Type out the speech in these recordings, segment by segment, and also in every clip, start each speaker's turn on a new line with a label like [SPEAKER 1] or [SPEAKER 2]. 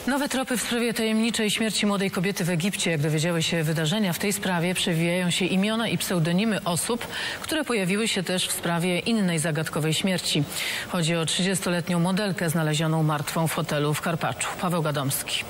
[SPEAKER 1] Nowe tropy w sprawie tajemniczej śmierci młodej kobiety w Egipcie. Jak dowiedziały się wydarzenia w tej sprawie, przewijają się imiona i pseudonimy osób, które pojawiły się też w sprawie innej zagadkowej śmierci. Chodzi o 30-letnią modelkę znalezioną martwą w hotelu w Karpaczu. Paweł Gadomski.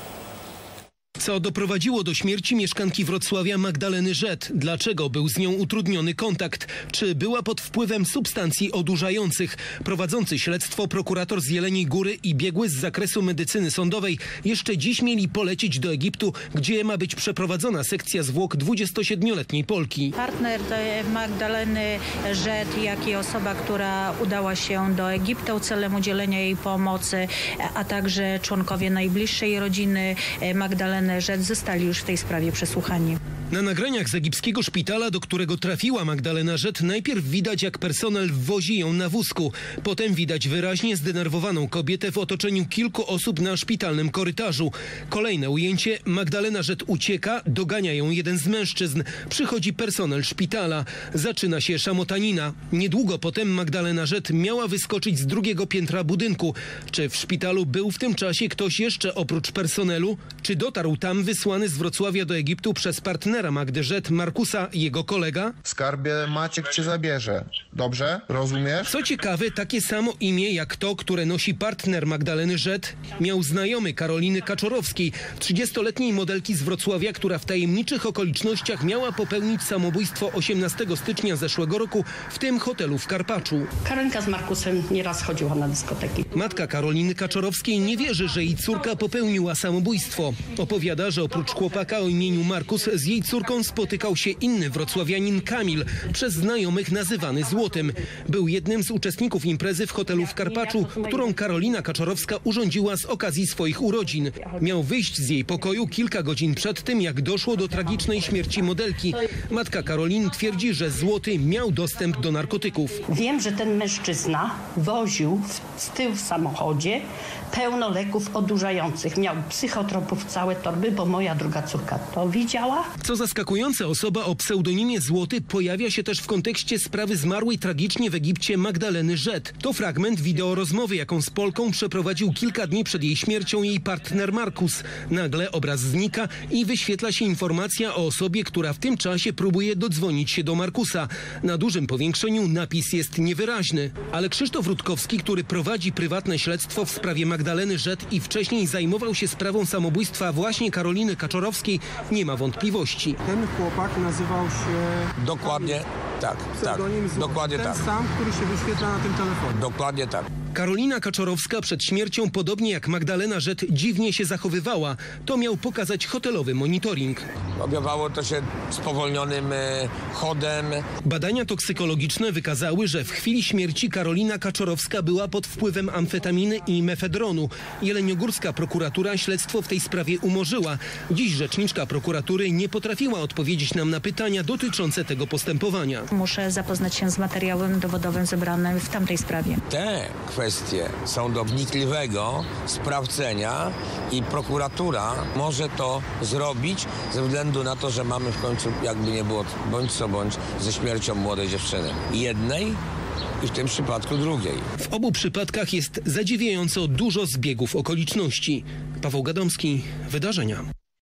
[SPEAKER 2] Co doprowadziło do śmierci mieszkanki Wrocławia Magdaleny Rzet? Dlaczego był z nią utrudniony kontakt? Czy była pod wpływem substancji odurzających? Prowadzący śledztwo prokurator z Jeleniej Góry i biegły z zakresu medycyny sądowej jeszcze dziś mieli polecieć do Egiptu, gdzie ma być przeprowadzona sekcja zwłok 27-letniej Polki.
[SPEAKER 3] Partner Magdaleny Rzet, jak i osoba, która udała się do Egiptu celem udzielenia jej pomocy, a także członkowie najbliższej rodziny Magdaleny Rzet zostali już w tej sprawie przesłuchani.
[SPEAKER 2] Na nagraniach z egipskiego szpitala, do którego trafiła Magdalena Rzet, najpierw widać, jak personel wozi ją na wózku. Potem widać wyraźnie zdenerwowaną kobietę w otoczeniu kilku osób na szpitalnym korytarzu. Kolejne ujęcie: Magdalena Rzet ucieka, dogania ją jeden z mężczyzn. Przychodzi personel szpitala. Zaczyna się szamotanina. Niedługo potem Magdalena Rzet miała wyskoczyć z drugiego piętra budynku. Czy w szpitalu był w tym czasie ktoś jeszcze oprócz personelu? Czy dotarł tam wysłany z Wrocławia do Egiptu przez partnera Magdy Rzet, Markusa, jego kolega?
[SPEAKER 4] Skarbie, Maciek cię zabierze. Dobrze? Rozumiesz?
[SPEAKER 2] Co ciekawe, takie samo imię jak to, które nosi partner Magdaleny Rzet, miał znajomy Karoliny Kaczorowskiej, 30-letniej modelki z Wrocławia, która w tajemniczych okolicznościach miała popełnić samobójstwo 18 stycznia zeszłego roku w tym hotelu w Karpaczu.
[SPEAKER 5] Karolinka z Markusem nieraz chodziła na dyskoteki.
[SPEAKER 2] Matka Karoliny Kaczorowskiej nie wierzy, że jej córka popełniła samobójstwo. Opowiada, że oprócz chłopaka o imieniu Markus z jej córką spotykał się inny wrocławianin Kamil, przez znajomych nazywany Złotym. Był jednym z uczestników imprezy w hotelu w Karpaczu, którą Karolina Kaczorowska urządziła z okazji swoich urodzin. Miał wyjść z jej pokoju kilka godzin przed tym, jak doszło do tragicznej śmierci modelki. Matka Karoliny twierdzi, że Złoty miał dostęp do narkotyków.
[SPEAKER 5] Wiem, że ten mężczyzna woził z tyłu w samochodzie pełno leków odurzających. Miał psychotropów całe torby, bo moja druga córka to widziała.
[SPEAKER 2] Co zaskakujące, osoba o pseudonimie Złoty pojawia się też w kontekście sprawy zmarłej tragicznie w Egipcie Magdaleny Rzet. To fragment wideo rozmowy, jaką z Polką przeprowadził kilka dni przed jej śmiercią jej partner Markus. Nagle obraz znika i wyświetla się informacja o osobie, która w tym czasie próbuje dodzwonić się do Markusa. Na dużym powiększeniu napis jest niewyraźny. Ale Krzysztof Rutkowski, który prowadzi prywatne śledztwo w sprawie Magdaleny Rzet i wcześniej zajmował się sprawą samobójstwa właśnie Karoliny Kaczorowskiej, nie ma wątpliwości.
[SPEAKER 6] Ten chłopak nazywał się...
[SPEAKER 7] Dokładnie tak, dokładnie
[SPEAKER 6] ten
[SPEAKER 7] tak.
[SPEAKER 6] Ten sam, który się wyświetla na tym telefonie.
[SPEAKER 7] Dokładnie tak.
[SPEAKER 2] Karolina Kaczorowska przed śmiercią, podobnie jak Magdalena Rzet, dziwnie się zachowywała. To miał pokazać hotelowy monitoring.
[SPEAKER 7] Objawiało to się spowolnionym chodem.
[SPEAKER 2] Badania toksykologiczne wykazały, że w chwili śmierci Karolina Kaczorowska była pod wpływem amfetaminy i mefedronu. Jeleniogórska prokuratura śledztwo w tej sprawie umorzyła. Dziś rzeczniczka prokuratury nie potrafiła odpowiedzieć nam na pytania dotyczące tego postępowania.
[SPEAKER 3] Muszę zapoznać się z materiałem dowodowym zebranym w tamtej sprawie.
[SPEAKER 7] Te kwestie są do wnikliwego sprawdzenia i prokuratura może to zrobić ze względu na to, że mamy w końcu, jakby nie było, bądź co bądź, ze śmiercią młodej dziewczyny. Jednej i w tym przypadku drugiej.
[SPEAKER 2] W obu przypadkach jest zadziwiająco dużo zbiegów okoliczności. Paweł Gadomski, Wydarzenia.